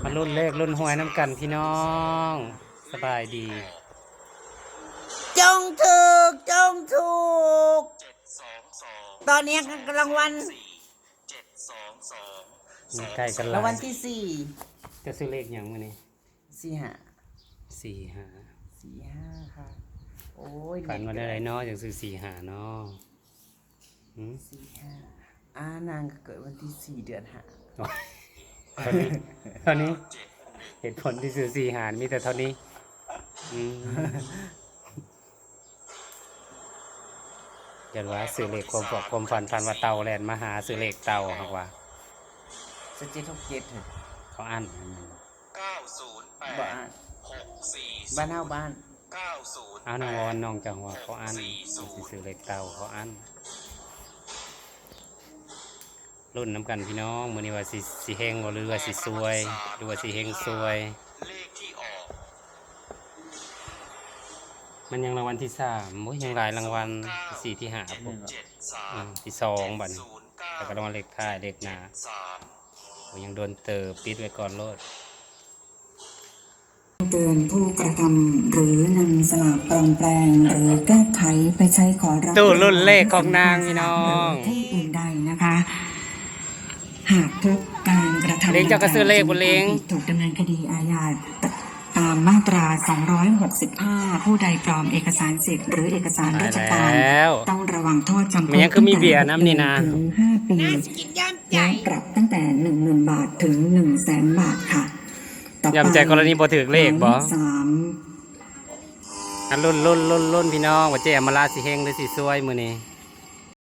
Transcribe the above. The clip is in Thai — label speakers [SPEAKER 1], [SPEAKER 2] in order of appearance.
[SPEAKER 1] มารุ่นเลขรุ่นหวยน้ำกันพี่น้องสบายดี
[SPEAKER 2] จงถูกจงถูกตอนนี้รางวัล
[SPEAKER 1] ใกล้กันแล้
[SPEAKER 2] ราว งวัลที่สี่
[SPEAKER 1] จะซื้อเลขอย่างมื้อนี้
[SPEAKER 2] สี่ห้า
[SPEAKER 1] สี่ห้า
[SPEAKER 2] สี่ห้าค่ะโอ้ย
[SPEAKER 1] ฝันว่าได้ไรเนาะอย่างซื้อสี่ห้าเนาะ
[SPEAKER 2] สี่ห้านางเกิดวันที่สี่เดือนห้า
[SPEAKER 1] เท่านี้เหตุผลที่ซื้อสี่ห้ามีแต่เท่านี้เดี๋ยวว่าซื้อเลขความฝันว่าเต่าแลนมาหาซื้อเลขเต่าครับว่า
[SPEAKER 2] สเจ็ดหกเจ็ด
[SPEAKER 1] เขาอั้น
[SPEAKER 2] บ้านบ้านเฮาบ้าน
[SPEAKER 1] เอาน้องวอนน้องจังหวะเขาอั้นซื้อเลขเต่าเขาอั้นรุ่นน้ำกันพี่น้องมื้อนี้ว่าสิเฮงหรือว่าสิซวยหรือว่าสิเฮงซวยมันยังรางวัลที่สามโอ้ยยังหลายรางวัลที่สี่ที่ห้าผมที่สองบัดนี้แต่ก็รางวัลเลขท้ายเลขหน้าผมยังโดนเติบปิดไว้ก่อนโลด
[SPEAKER 3] เตือนผู้กระทำหรือนำสลากปลอมแปลงหรือแก้ไขไปใช้ขอรับ
[SPEAKER 1] ตู้รุ่นเลขของนางพี่น้อง
[SPEAKER 3] ที่อื่นใดนะคะหากพบการกระทำ
[SPEAKER 1] เล้งเจ้าก็ซื้อเลขบนเล้ง
[SPEAKER 3] ถูกดำเนินคดีอาญาตามมาตรา265ผู้ใดปลอมเอกสารสิทธิ์หรือเอกสารราชการต้องระวังโทษจำคุก
[SPEAKER 1] มันยังคือมีเบียร์น้ำนี่นะ
[SPEAKER 3] ถึง5 ปีและปรับตั้งแต่ 10,000 บาทถึง 100,000 บาทค่ะ
[SPEAKER 1] ยำใจกรณีบ่ถือเลขบ่รุ่นพี่น้องว่าเจ๊อมราสิเฮงหรือสิซวยมื้อนี้